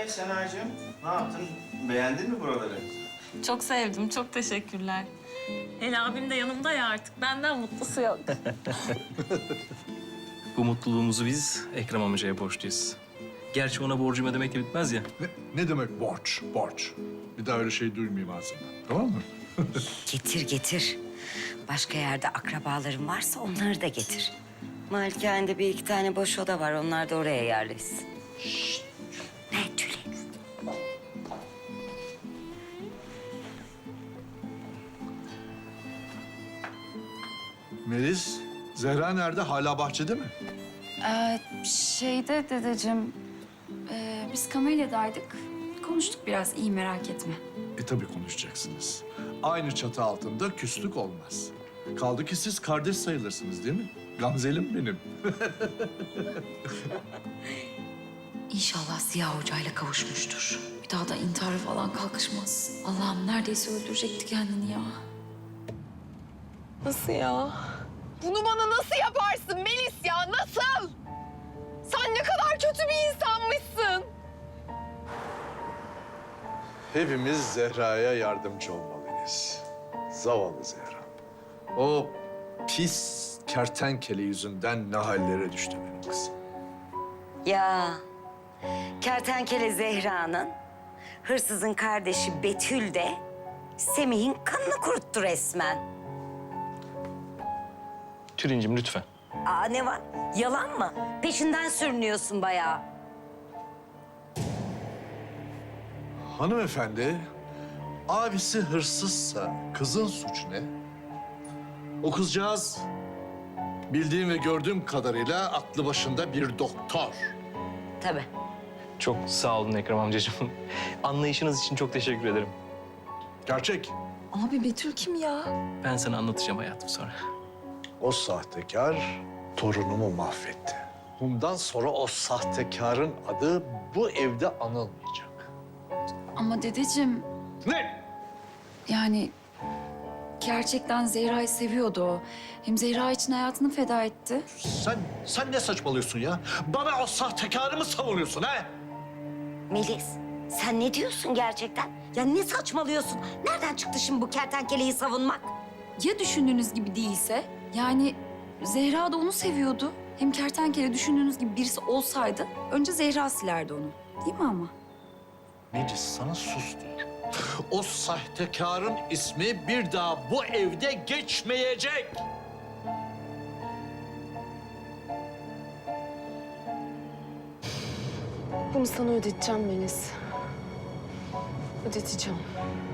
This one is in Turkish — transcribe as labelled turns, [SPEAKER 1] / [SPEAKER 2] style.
[SPEAKER 1] Senacığım, ne yaptın? Beğendin mi buraları?
[SPEAKER 2] Çok sevdim, çok teşekkürler. El abim de yanımda ya artık. Benden mutlusu yok.
[SPEAKER 3] Bu mutluluğumuzu biz Ekrem amcaya borçluyuz. Gerçi ona borcum ödemekle bitmez ya.
[SPEAKER 4] Ne demek borç, borç? Bir daha öyle şey duymayayım ağzından. Tamam mı?
[SPEAKER 5] Getir getir. Başka yerde akrabaların varsa onları da getir. Malikane'de bir iki tane boş oda var. Onlar da oraya yerleşsin. Şşt. Ne Tülin?
[SPEAKER 4] Melis, Zehra nerede? Hala bahçede mi?
[SPEAKER 6] Şeyde dedeciğim, biz Kamelya'daydık. Konuştuk biraz, iyi merak etme.
[SPEAKER 4] Tabii konuşacaksınız. Aynı çatı altında küslük olmaz. Kaldı ki siz kardeş sayılırsınız değil mi? Gamzelim benim.
[SPEAKER 6] İnşallah Ziya Hoca'yla kavuşmuştur. Bir daha da intihara falan kalkışmaz. Allah'ım neredeyse öldürecekti kendini ya.
[SPEAKER 2] Nasıl ya?
[SPEAKER 7] Bunu bana nasıl yaparsın Melis ya? Nasıl? Sen ne kadar kötü bir insanmışsın.
[SPEAKER 4] Hepimiz Zehra'ya yardımcı olmalıyız. Zavallı Zehra. O pis kertenkele yüzünden ne hallere düştü benim kızım.
[SPEAKER 5] Ya kertenkele Zehra'nın, hırsızın kardeşi Betül de Semih'in kanını kuruttu resmen.
[SPEAKER 3] Tülincim lütfen.
[SPEAKER 5] Aa ne var? Yalan mı? Peşinden sürünüyorsun bayağı.
[SPEAKER 4] Hanımefendi, abisi hırsızsa kızın suçu ne? O kızcağız bildiğim ve gördüğüm kadarıyla aklı başında bir doktor.
[SPEAKER 5] Tabii.
[SPEAKER 3] Çok sağ olun Ekrem amcacığım. Anlayışınız için çok teşekkür ederim.
[SPEAKER 4] Gerçek.
[SPEAKER 6] Abi Betül kim ya?
[SPEAKER 3] Ben sana anlatacağım hayatım sonra.
[SPEAKER 4] O sahtekar torunumu mahvetti. Bundan sonra o sahtekarın adı bu evde anılmayacak.
[SPEAKER 6] Ama dedeciğim,
[SPEAKER 4] Ne?
[SPEAKER 6] yani gerçekten Zehra'yı seviyordu o. Hem Zehra için hayatını feda etti.
[SPEAKER 4] Sen ne saçmalıyorsun ya? Bana o sahtekarı mı savunuyorsun ha?
[SPEAKER 5] Melis, sen ne diyorsun gerçekten? Ya ne saçmalıyorsun? Nereden çıktı şimdi bu kertenkeleyi savunmak?
[SPEAKER 6] Ya düşündüğünüz gibi değilse? Yani Zehra da onu seviyordu. Hem kertenkele düşündüğünüz gibi birisi olsaydı önce Zehra silerdi onu. Değil mi ama?
[SPEAKER 4] Melis sana sus diyor. O sahtekarın ismi bir daha bu evde geçmeyecek.
[SPEAKER 7] Bunu sana ödeteceğim Melis. Ödeteceğim.